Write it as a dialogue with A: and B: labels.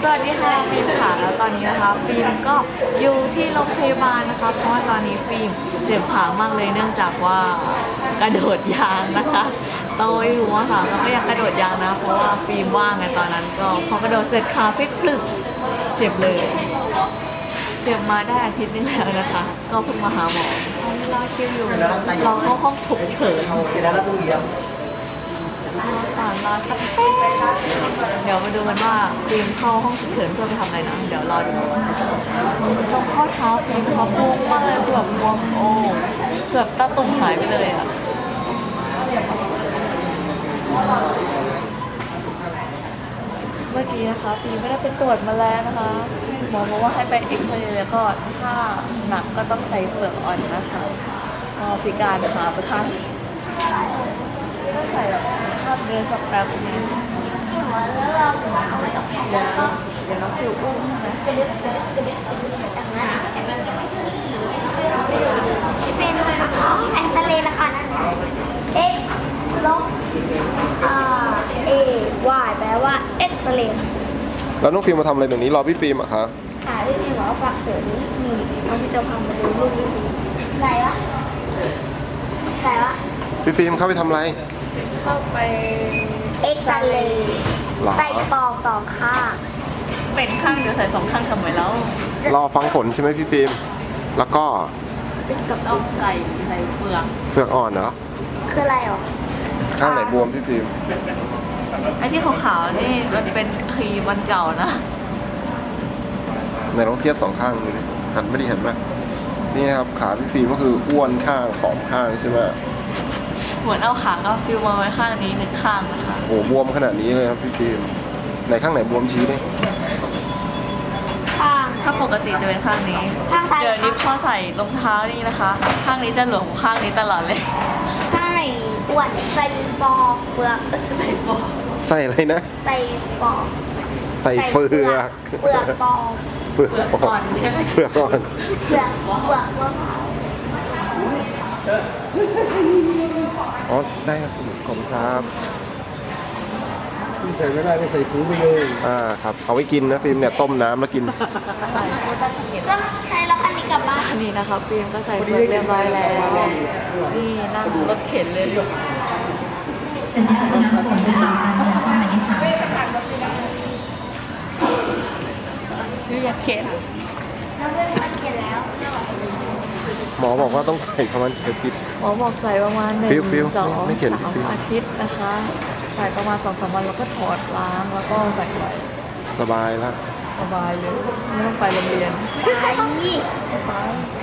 A: สวัสดีค่ะฟิล์มค่ะแล้วตอนนี้นะคะฟิล์มก็อยู่ที่โรงพยาบาลนะคะเพราะว่าตอนนี้ฟิล์มเจ็บขามากเลยเนื่องจากว่ากระโดดยางนะคะเราไม่รู้อะค่ะเราก็ยังกระโดดยางนะเพราะว่าฟิล์มว่างไงตอนนั้นก็พอกระโดดเสร็จขาพลิกพลึกเจ็บเลยเจ็บมาได้อาทิตย์นึงแล้วนะคะก็เพิ่งมาหาหมอรอคิวอยู่เราเข้าห้องฉุกเฉินรอสักแป๊บเดี๋ยวมาดูกันว่าฟิล์มเข้าห้องฉุกเฉินเพื่อไปทำอะไรนะเดี๋ยวรอดูตรงข้อเท้าฟิล์มเขาบวมมากเลยเกือบบวมโอ้เกือบตาตุ่มหายไปเลยอ่ะเมื่อกี้นะคะฟิล์มไม่ได้ไปตรวจมาแล้วนะคะหมอบอกว่าให้ไปเอ็กซเรย์แล้วก็ถ้าหนักก็ต้องใส่เปลือกอ่อนนะคะก็พิการขาไปข้างก็ใส่แบบภาพเดินสักแป๊บนึงเดี๋ยวน้องฟิวอุ้มนะ
B: เป็นแอนเซเลนะคะนั่น x ลบa y แปลว่า x เลน
C: แล้วน้องฟิล์มมาทำอะไรตรงนี้รอพี่ฟิล์มอะคะ
B: ค่ะที่พี่บอกว่าฝากเสือนี้นี่เอาพี่จะพามาดูรูปนี้ใส่วะ
C: พี่ฟิล์มเข้าไปทำอะไร
A: เข้าไป
B: x เลนใส่ปอกสองข้าง
A: เป็นข้างเดียวใส่สองข้างทำไมแล้ว
C: รอฟังผลใช่ไหมพี่ฟิล์มแล้วก็
A: ต้องใส่เปลือก
C: เฟือกอ่อนเหรอ
B: คืออะไรอ่ะ
C: ข้างไหนบวมพี่ฟิล์ม
A: ไอ้ที่ขาวๆนี่มันเป็นครีมมันเก่านะ
C: ไหนลองเทียบสองข้างดูดิหันไม่ดีเห็นไหมนี่นะครับขาพี่ฟิล์มก็คืออ้วนข้างผอมข้างใช่ไหม
A: เหมือนเอาขาก็ฟิวมาไว้ข้างนี้หนึ่งข้างนะคะ
C: โอ้บวมขนาดนี้เลยครับพี่ฟิล์มไหนข้างไหนบวมชี้ดิ
B: ข้าง
A: ถ้าปกติจะเป็นข้างนี้
B: ข้างซ้าย
A: เดี๋ยวนี้พอใส่รองเท้านี่นะคะ ข้างนี้จะหลวมข้างนี้ตลอดเลย
B: ข้างไหนอ้วนใส่ปอกเปลือก
A: ใส่ฟอก
C: ใส่อะไรนะ
B: ใส่ปอก
C: ใส่เฟือก
B: เปลือกปอก
C: เฟือกอ่อนเฟือกอ่อน
B: เปลือกมะพร้าว
C: อ๋อได้ครับขอบคุณครับ
D: ใส่ไม่ได้ไม่ใส่ถุงไปเลย
C: ครับเอาไว้กินนะฟิล์มเนี่ยต้มน้ำแล้วกิน
B: ก็ใช้แล้วอันนี้กลับบ้าน
A: อันนี้นะคะฟิล์มก็ใส่เปลือกเรียบร้อยแล้ว นี่นั่งรถเข็นเลย
E: ฉันได้รับน้ำฝนจากการเดินช่องหมายเลข 3ค่ะ
A: นี่อยากเข็น
B: เราเลือกอันเก็บแล้ว
C: หมอบอกว่าต้องใส่ประมาณอาทิตย์
A: หมอบอกใส่ประมาณ1
C: ฟิว
A: 2
C: ไม่เข็น
A: 3 อาทิตย์นะคะ ใส่ประมาณ2-3 วันแล้วก็ถอดล้างแล้วก็ใส่ไว้
C: สบายแล้ว
A: สบายเลยไม่ต้องไปโรงเรียน
B: ไป
A: ไป